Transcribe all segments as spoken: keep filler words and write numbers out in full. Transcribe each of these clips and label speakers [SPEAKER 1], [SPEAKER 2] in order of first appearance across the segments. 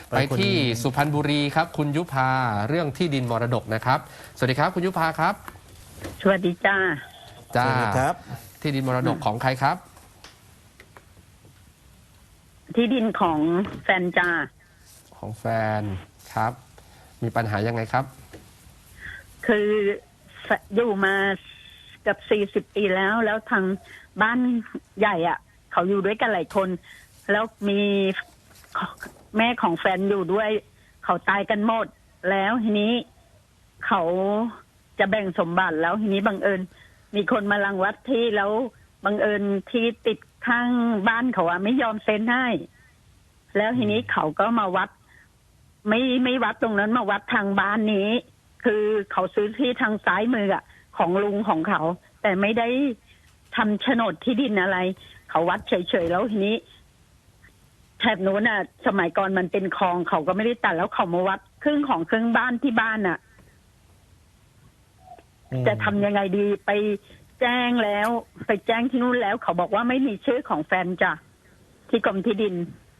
[SPEAKER 1] ไปที่สุพรรณบุรีครับคุณยุพาเรื่องที่ดินมรดกนะครับสวัสดีครับคุณยุพาครับ
[SPEAKER 2] สวัสดีจ้า
[SPEAKER 1] จ้าครับที่ดินมรดกของใครครับ
[SPEAKER 2] ที่ดินของแฟนจ้า
[SPEAKER 1] ของแฟนครับมีปัญหายังไงครับ
[SPEAKER 2] คืออยู่มากับสี่สิบปีแล้วแล้วทางบ้านใหญ่อ่ะเขาอยู่ด้วยกันหลายคนแล้วมีแม่ของแฟนอยู่ด้วยเขาตายกันหมดแล้วทีนี้เขาจะแบ่งสมบัติแล้วทีนี้บังเอิญมีคนมารังวัดที่แล้วบังเอิญที่ติดข้างบ้านเขาอะไม่ยอมเซ็นให้แล้วทีนี้เขาก็มาวัดไม่ไม่วัดตรงนั้นมาวัดทางบ้านนี้คือเขาซื้อที่ทางซ้ายมืออะของลุงของเขาแต่ไม่ได้ทำโฉนดที่ดินอะไรเขาวัดเฉยๆแล้วทีนี้แถบนู้นน่ะสมัยก่อนมันเป็นคลองเขาก็ไม่ได้ตัดแล้วเขามาวัดครึ่งของครึ่งบ้านที่บ้านน่ะจะทำยังไงดีไปแจ้งแล้วไปแจ้งที่นู้นแล้วเขาบอกว่าไม่มีชื่อของแฟนจ้ะที่กรมที่ดิน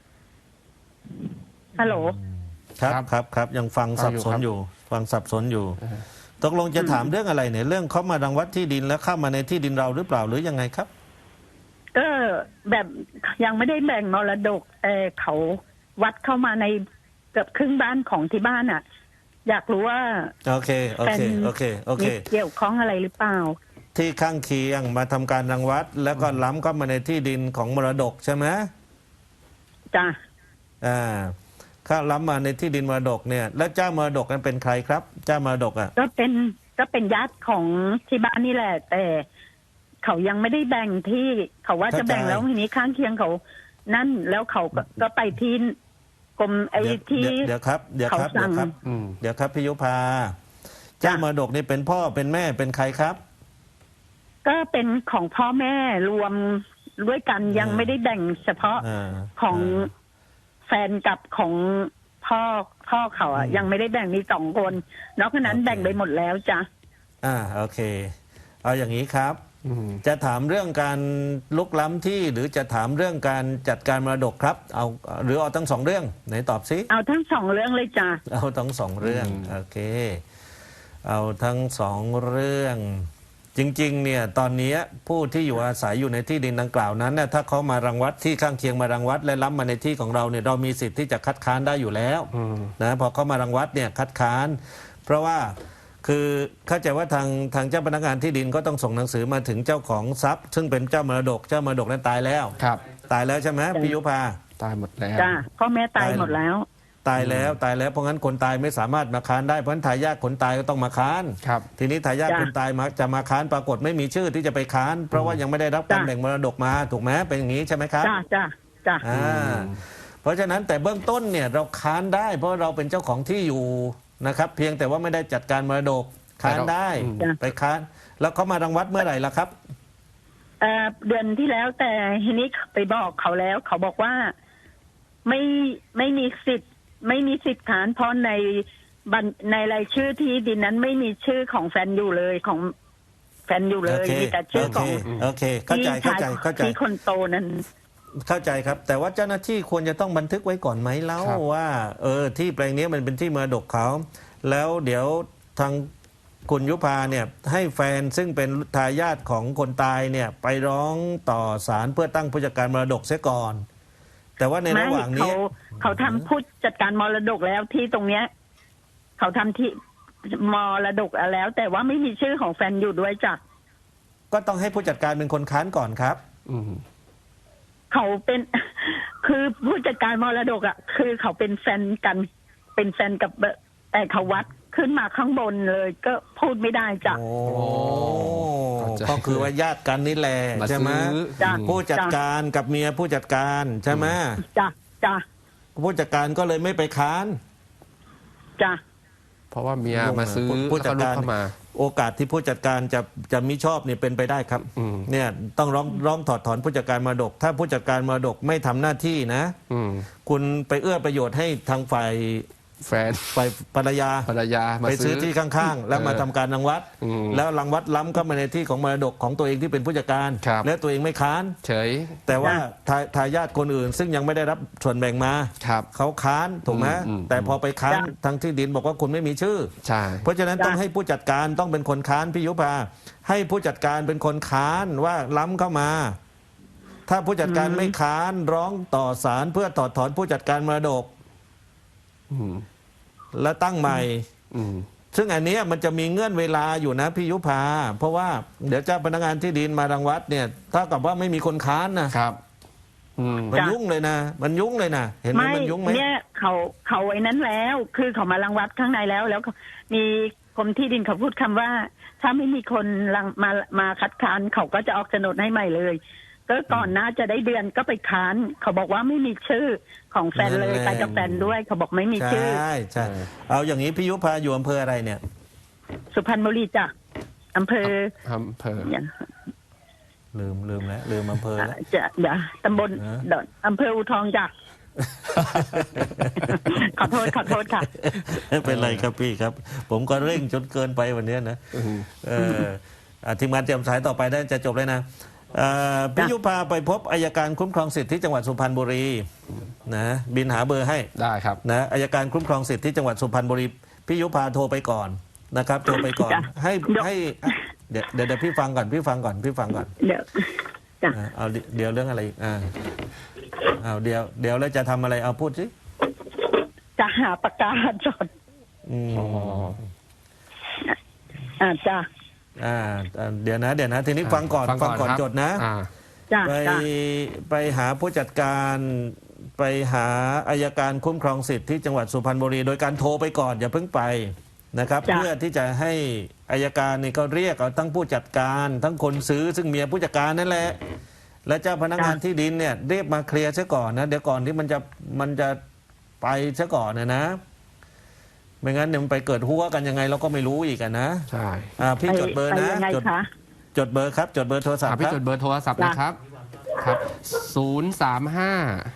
[SPEAKER 2] ฮัลโหล
[SPEAKER 3] ครับครับครับยังฟังสับสนอยู่ฟังสับสนอยู่ตกลงจะถามเรื่องอะไรเนี่ยเรื่องเขามารังวัดที่ดินแล้วเข้ามาในที่ดินเราหรือเปล่าหรือยังไงครับ
[SPEAKER 2] ก็แบบยังไม่ได้แบ่งมรดกแต่เขาวัดเข้ามาในเกือบครึ่งบ้านของที่บ้านอ่ะอยากรู้ว่า
[SPEAKER 3] โอเคโอเคโอเคโอเค
[SPEAKER 2] เกี่ยวข้องอะไรหรือเปล่า
[SPEAKER 3] ที่ข้างเคียงมาทำการรังวัดแล้วก็ล้ำเข้ามาในที่ดินของมรดกใช่ไหม
[SPEAKER 2] จ้ะ
[SPEAKER 3] อ่าข้าล้ำมาในที่ดินมรดกเนี่ยแล้วเจ้ามรดกนั้นเป็นใครครับเจ้ามรดกอ่ะ
[SPEAKER 2] ก็เป็นก็เป็นญาติของที่บ้านนี่แหละแต่เขายังไม่ได้แบ่งที่เขาว่าจะแบ่งแล้วทีนี้ข้างเคียงเขานั่นแล้วเขาก็ไปที่กรมไอ้ที่
[SPEAKER 3] เดี๋ยวครับเดี๋ยวครับเดี๋ยวครับเดี๋ยวครับพิยุพาเจ้ามรดกนี่เป็นพ่อเป็นแม่เป็นใครครับ
[SPEAKER 2] ก็เป็นของพ่อแม่รวมด้วยกันยังไม่ได้แบ่งเฉพาะของแฟนกับของพ่อพ่อเขาอ่ะยังไม่ได้แบ่งมีสองคนนอกจากนั้นแบ่งไปหมดแล้วจ้ะ
[SPEAKER 3] อ่าโอเคเอาอย่างนี้ครับจะถามเรื่องการลุกล้ำที่หรือจะถามเรื่องการจัดการมรดกครับเอาหรือเอาทั้งสองเรื่องไหนตอบซิ
[SPEAKER 2] เอาทั้งสองเรื่องเลยจ้ะ
[SPEAKER 3] เอาทั้งสองเรื่องโอเคเอาทั้งสองเรื่องจริงๆเนี่ยตอนนี้ผู้ที่อยู่อาศัยอยู่ในที่ดินดังกล่าวนั้นเนี่ยถ้าเขามารังวัดที่ข้างเคียงมารังวัดและล้ำมาในที่ของเราเนี่ยเรามีสิทธิ์ที่จะคัดค้านได้อยู่แล้วนะพอเขามารังวัดเนี่ยคัดค้านเพราะว่าคือเข้าใจว่าทางทางเจ้าพนักงานที่ดินก็ต้องส่งหนังสือมาถึงเจ้าของทรัพย์ซึ่งเป็นเจ้ามรดกเจ้ามรดกนั้นตายแล้ว
[SPEAKER 1] ครับ
[SPEAKER 3] ตายแล้วใช่ไหมพิยุพา
[SPEAKER 1] ตายหมดแล้ว
[SPEAKER 2] จ้าพ่อแม่ตายหมดแล้ว
[SPEAKER 3] ตายแล้วตายแล้วเพราะงั้นคนตายไม่สามารถมาค้านได้เพราะฉะนั้นทายาทคนตายก็ต้องมาค้าน
[SPEAKER 1] ครับ
[SPEAKER 3] ทีนี้ทายาทคนตายมาจะมาค้านปรากฏไม่มีชื่อที่จะไปค้านเพราะว่ายังไม่ได้รับการแบ่งมรดกมาถูกไหมเป็นอย่างนี้ใช่ไหมครับ
[SPEAKER 2] จ้าจ้าจ้า
[SPEAKER 3] อ่าเพราะฉะนั้นแต่เบื้องต้นเนี่ยเราค้านได้เพราะเราเป็นเจ้าของที่อยู่นะครับเพียงแต่ว่าไม่ได้จัดการมรดกค้านได้ไปค้านแล้วเขามารังวัดเมื่อไหร่ล่ะครับ
[SPEAKER 2] เอ่อเดือนที่แล้วแต่ทีนี้ไปบอกเขาแล้วเขาบอกว่าไม่ไม่มีสิทธิ์ไม่มีสิทธิ์ค้านเพราะในบัญในรายชื่อที่ดินนั้นไม่มีชื่อของแฟนอยู่เลยของแฟนอยู่เลยมีแต่ชื่อของ
[SPEAKER 3] โอเคเข้าใจเข้าใจเข้าใจ
[SPEAKER 2] ที่คนโตนั้น
[SPEAKER 3] เข้าใจครับแต่ว่าเจ้าหน้าที่ควรจะต้องบันทึกไว้ก่อนไหมเล่าว่าเออที่แปลงนี้มันเป็นที่มรดกเขาแล้วเดี๋ยวทางคุณยุพาเนี่ยให้แฟนซึ่งเป็นทายาทของคนตายเนี่ยไปร้องต่อศาลเพื่อตั้งผู้จัดการมรดกเสียก่อนแต่ว่าในระหว่างนี้
[SPEAKER 2] เขาเขาทำผู้จัดการมรดกแล้วที่ตรงเนี้ยเขาทำที่มรดกแล้ว แต่ว่าไม่มีชื่อของแฟนอยู่ด้วยจ้ะ
[SPEAKER 3] ก็ต้องให้ผู้จัดการเป็นคนค้านก่อนครับ
[SPEAKER 1] อืม
[SPEAKER 2] เขาเป็นคือผู้จัดการมรดกอ่ะคือเขาเป็นแฟนกันเป็นแฟนกับแต่เขาวัดขึ้นมาข้างบนเลยก็พูดไม่ได้จ้ะ
[SPEAKER 3] โอ้ก็คือว่าญาติกันนี่แหละใช่ไหมผู้จัดการกับเมียผู้จัดการใช่ไหม
[SPEAKER 2] จ้ะจ้ะ
[SPEAKER 3] ผู้จัดการก็เลยไม่ไปค้าน
[SPEAKER 2] จ้ะ
[SPEAKER 1] เพราะว่าเมียมาซื้อ
[SPEAKER 3] ผู้จัดการเข้ามาโอกาสที่ผู้จัดการจะจะมิชอบเนี่ยเป็นไปได้ครับเนี่ยต้องร้องร้องถอดถอนผู้จัดการมรดกถ้าผู้จัดการมรดกไม่ทำหน้าที่นะคุณไปเอื้อประโยชน์ให้ทางฝ่าย
[SPEAKER 1] แฟน
[SPEAKER 3] ไปภรรยา
[SPEAKER 1] ภรรยามา
[SPEAKER 3] ไปซื้อที่ข้างๆ แล้วมา
[SPEAKER 1] เออ
[SPEAKER 3] ทำการรังวัด
[SPEAKER 1] อืม
[SPEAKER 3] แล้วรังวัดล้ำเข้ามาในที่ของมรดกของตัวเองที่เป็นผู้จัดการ
[SPEAKER 1] ครับ
[SPEAKER 3] และตัวเองไม่ค้าน
[SPEAKER 1] เฉย
[SPEAKER 3] แต่ว่าทาทายาทคนอื่น ซึ่งยังไม่ได้รับส่วนแบ่งมา
[SPEAKER 1] ครับ
[SPEAKER 3] เขาค้านถูกไหม
[SPEAKER 1] อืมอืม
[SPEAKER 3] แต่พอไปค้าน
[SPEAKER 2] จ้ะ
[SPEAKER 3] ทางที่ดินบอกว่าคุณไม่มีชื่อ
[SPEAKER 1] ใช่
[SPEAKER 3] เพราะฉะนั้น
[SPEAKER 2] จ้ะ
[SPEAKER 3] ต้องให้ผู้จัดการต้องเป็นคนค้านพี่ยุพาให้ผู้จัดการเป็นคนค้านว่าล้ำเข้ามา ถ้าผู้จัดการไม่ค้านร้องต่อศาลเพื่อถอดถอนผู้จัดการมรดก
[SPEAKER 1] อืม
[SPEAKER 3] และตั้งใหม่
[SPEAKER 1] อืม
[SPEAKER 3] ซึ่งอันเนี้ยมันจะมีเงื่อนเวลาอยู่นะพี่ยุพาเพราะว่าเดี๋ยวเจ้าพนักงานที่ดินมารังวัดเนี่ยถ้ากับว่าไม่มีคนค้านนะครับ
[SPEAKER 1] อืม
[SPEAKER 3] มัน
[SPEAKER 2] จ้ะ
[SPEAKER 3] ยุ่งเลยนะ มันยุ่งเลยนะเห็นไหม
[SPEAKER 2] ไม่
[SPEAKER 3] มันยุ่งไหม
[SPEAKER 2] เนี่ยเขาเขาไอ้นั้นแล้ว คือเขามารังวัดข้างในแล้ว แล้วก็มีกรมที่ดินเขาพูดคำว่า ถ้าไม่มีคนรังมามาคัดค้านเขาก็จะออกโฉนดให้ใหม่เลย ก็ก่อนหน้าจะได้เดือนก็ไปค้าน เขาบอกว่าไม่มีชื่อของแฟนเลยไปกับแฟนด้วย เขาบอกไม่มี
[SPEAKER 3] ใช่
[SPEAKER 2] ชื่อ
[SPEAKER 3] ใช่เอาอย่างนี้พี่ยุพาอยู่อำเภออะไรเนี่ย
[SPEAKER 2] สุพรรณบุรีจ้ะอำเภอ
[SPEAKER 1] อำเภอ
[SPEAKER 2] อย่าง
[SPEAKER 3] ลืมลืมแล้วลืมอำเภอแล้ว
[SPEAKER 2] จะเดี๋ยวตำบล
[SPEAKER 3] ฮะ
[SPEAKER 2] ดอนอำเภออูทองจ้ะ ขอโทษขอโทษค่ะ
[SPEAKER 3] ไม่เป็นไรครับพี่ครับ ผมก็เร่งจนเกินไปวันเนี้ยนะ
[SPEAKER 1] อืม
[SPEAKER 3] เอออ่ะทีมงานเตรียมสายต่อไปได้จะจบเลยนะเอ่อพี่ยุพาไปพบอัยการคุ้มครองสิทธิ์ที่จังหวัดสุพรรณบุรีนะบินหาเบอร์ให้
[SPEAKER 1] ได้ครับ
[SPEAKER 3] นะอัยการคุ้มครองสิทธิ์ที่จังหวัดสุพรรณบุรีพี่ยุพาโทรไปก่อนนะครับโทรไปก่อน
[SPEAKER 2] จ้ะ
[SPEAKER 3] ให้
[SPEAKER 2] เดี๋ยว
[SPEAKER 3] ให้เดี๋ยวเดี๋ยวเดี๋ยวพี่ฟังก่อนพี่ฟังก่อนพี่ฟังก่อน
[SPEAKER 2] เดี๋ยวจ้ะ
[SPEAKER 3] อ่ะเอาเดี๋ยวเรื่องอะไรอีกอ่าเอาเดี๋ยวเดี๋ยวแล้วจะทำอะไรเอาพูดสิ
[SPEAKER 2] จะหาปากกาจด
[SPEAKER 3] อืม
[SPEAKER 1] อ๋อ
[SPEAKER 2] อ่าจ้ะ
[SPEAKER 3] อ่าอ่าเดี๋ยวนะ เดี๋ยวนะ ทีนี้ฟังก่อนฟังก่อน
[SPEAKER 1] ครับ
[SPEAKER 3] จดนะ
[SPEAKER 1] อ่า
[SPEAKER 2] จ้ะ
[SPEAKER 3] ไป
[SPEAKER 2] จ้ะ
[SPEAKER 3] ไปหาผู้จัดการไปหาอายการคุ้มครองสิทธิ์ที่จังหวัดสุพรรณบุรีโดยการโทรไปก่อนอย่าเพิ่งไปนะครับ
[SPEAKER 2] จ้ะ
[SPEAKER 3] เพื่อที่จะให้อายการนี่ก็เรียกเอาทั้งผู้จัดการ ทั้งคนซื้อซึ่งเมียผู้จัดการนั่นแหละ และเจ้าพนักงานที่ดินเนี่ยเรียกมาเคลียร์ซะก่อนนะเดี๋ยวก่อนที่มันจะมันจะไปซะก่อนนะนะ ไม่งั้นเดี๋ยวมันไปเกิดหัวกันยังไงเราก็ไม่รู้อีกอะนะ
[SPEAKER 1] ใช่
[SPEAKER 3] อ่าพี่จดเบอร์
[SPEAKER 2] ไป
[SPEAKER 3] นะ
[SPEAKER 2] ยังไง
[SPEAKER 3] จด
[SPEAKER 2] คะ
[SPEAKER 3] จดเบอร์ครับจดเบอร์โทรศัพ
[SPEAKER 1] อ่ะ
[SPEAKER 3] ท์
[SPEAKER 1] พี่
[SPEAKER 3] ครับ
[SPEAKER 1] จดเบอร์โทรศัพท์นะครับ ครับศูนย์สามห้า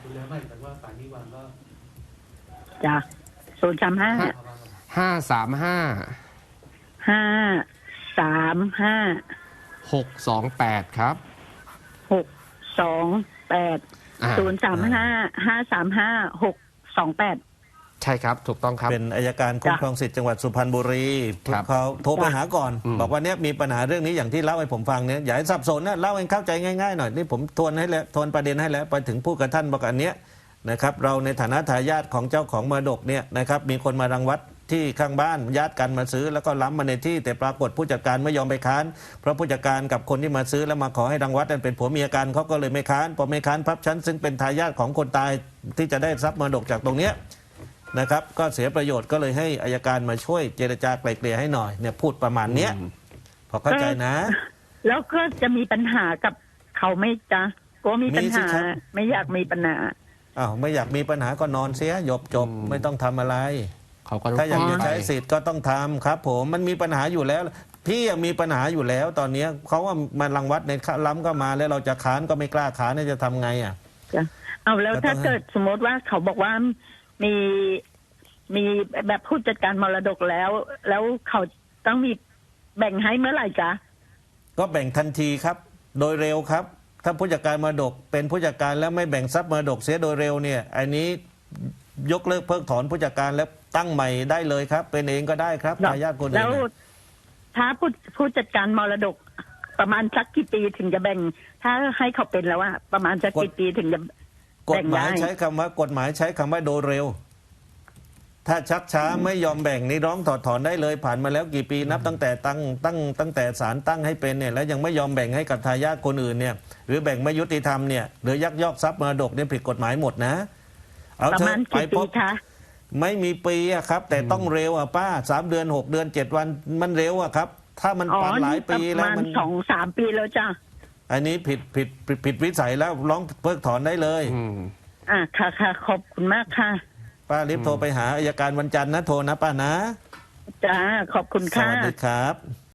[SPEAKER 2] จ้ะศูนย์สามห้า
[SPEAKER 1] ห้าสามห้า
[SPEAKER 2] ห้าสามห้า
[SPEAKER 1] หกสองแปดครับ
[SPEAKER 2] หกสองแปด
[SPEAKER 1] อ่า
[SPEAKER 2] ศูนย์สามห้าห้าสามห้าหกสองแปด
[SPEAKER 1] ใช่ครับ ถูกต้องครับ
[SPEAKER 3] เป็นอายการคุ้มครองสิทธิ์จังหวัดสุพรรณบุรี
[SPEAKER 1] ครับ
[SPEAKER 3] เขาโทรไปหาก่อน
[SPEAKER 1] อืม
[SPEAKER 3] บอกว่าเนี้ยมีปัญหาเรื่องนี้อย่างที่เล่าให้ผมฟังเนี่ยอย่าให้สับสนนะเล่าให้เข้าใจง่ายๆหน่อยนี่ผมทวนให้แล้วทวนประเด็นให้แล้วไปถึงผู้กระท่านบอกอันเนี้ยนะครับเราในฐานะทายาทของเจ้าของมรดกเนี่ยนะครับมีคนมารังวัดที่ข้างบ้านญาติกันมาซื้อแล้วก็ล้ำมาในที่แต่ปรากฏผู้จัดการไม่ยอมไปค้านเพราะผู้จัดการกับคนที่มาซื้อแล้วมาขอให้รังวัดนั้นเป็นผัวเมียกันเขาก็เลยไม่ค้านพอไม่ค้านพับชั้นซึ่งเป็นทายาทของคนตายที่จะได้ทรัพย์มรดกจากตรงเนี้ย นะครับก็เสียประโยชน์ก็เลยให้อายการมาช่วยเจรจาไกล่เกลี่ยให้หน่อยเนี่ยพูดประมาณเนี้ย
[SPEAKER 1] อืม
[SPEAKER 3] พอเข้าใจนะ
[SPEAKER 2] แล้วก็จะมีปัญหากับเขาไหม่จ้ะกลัวมีปัญ
[SPEAKER 3] มีสิ
[SPEAKER 2] หา
[SPEAKER 3] ครับ
[SPEAKER 2] ไม่อยากมีปัญหา
[SPEAKER 3] อ้าวไม่อยากมีปัญหาก็นอนเสียจบจบไม่ต้องทำอะไร
[SPEAKER 1] เขาก็
[SPEAKER 3] ถ้าอยากจะ
[SPEAKER 1] ไป
[SPEAKER 3] ใช้สิทธิ์ก็ต้องทำครับ ผมมันมีปัญหาอยู่แล้ว พี่ยังมีปัญหาอยู่แล้ว ตอนเนี้ยเขาว่ามันรังวัดในล้ำก็มาแล้วเราจะค้านก็ไม่กล้าค้านเนี่ยจะทำไงอ่ะ
[SPEAKER 2] จ้ะเอาแล้ว
[SPEAKER 3] ก็ต้อง
[SPEAKER 2] ถ้าเกิดสมมติว่าเขาบอกว่ามีมีแบบผู้จัดการมรดกแล้ว แล้วเขาต้องมีแบ่งให้เมื่อไหร่จ๊ะ
[SPEAKER 3] ก็แบ่งทันทีครับ โดยเร็วครับ ถ้าผู้จัดการมรดกเป็นผู้จัดการแล้วไม่แบ่งทรัพย์มรดกเสียโดยเร็วเนี่ยอันนี้ยกเลิกเพิกถอนผู้จัดการแล้วตั้งใหม่ได้เลยครับ เป็นเองก็ได้ครับทายาทคนอื่น
[SPEAKER 2] แล้ว
[SPEAKER 3] น่ะ
[SPEAKER 2] ถ้าผู้ผู้จัดการมรดก ประมาณสักกี่ปีถึงจะแบ่ง ถ้าให้เขาเป็นแล้วว่าประมาณสักกี่ปีถึงจะ
[SPEAKER 3] กฎ
[SPEAKER 2] แบ่ง
[SPEAKER 3] หมาย
[SPEAKER 2] ได้
[SPEAKER 3] ใช้คำว่ากฎหมายใช้คำว่าโดยเร็ว ถ้าชักช้าไม่ยอมแบ่งนี่ร้องถอดถอนได้เลย ผ่านมาแล้วกี่ปีนับตั้งแต่ตั้งตั้งตั้งแต่ศาลตั้งให้เป็นเนี่ยแล้วยังไม่ยอมแบ่งให้กับทายาทคนอื่นเนี่ยหรือแบ่งไม่ยุติธรรมเนี่ยหรือยักยอกทรัพย์มรดกเนี่ยผิดกฎหมายหมดนะ เอา
[SPEAKER 2] ประ
[SPEAKER 3] เถ
[SPEAKER 2] มา
[SPEAKER 3] อะ
[SPEAKER 2] ณ
[SPEAKER 3] ไป
[SPEAKER 2] กี่
[SPEAKER 3] พ
[SPEAKER 2] ปี
[SPEAKER 3] บ
[SPEAKER 2] คะ
[SPEAKER 3] ไม่มีปีอะครับ แต่ต้องเร็วอะป้าสามเดือนหกเดือนเจ็ดวันมันเร็วอะครับ ถ้ามัน
[SPEAKER 2] อ๋อ
[SPEAKER 3] ผ่านหลาย
[SPEAKER 2] นี่ป
[SPEAKER 3] ปี
[SPEAKER 2] ระ
[SPEAKER 3] แล้ว
[SPEAKER 2] มาณ
[SPEAKER 3] มัน
[SPEAKER 2] สองสามปีแล้วจ้ะ
[SPEAKER 3] อันนี้ผิดผิดผิดผิดวิสัยแล้วร้องเพิกถอนได้เลย
[SPEAKER 1] อืม
[SPEAKER 2] อ่ะค่ะค่ะขอบคุณมากค่ะ
[SPEAKER 3] ป้ารีบโทรไปหาอัยการวันจันทร์นะโทรนะป้านะ
[SPEAKER 2] จ้าขอบคุณ
[SPEAKER 3] ส
[SPEAKER 2] ค่ะ
[SPEAKER 3] วัสดีครับ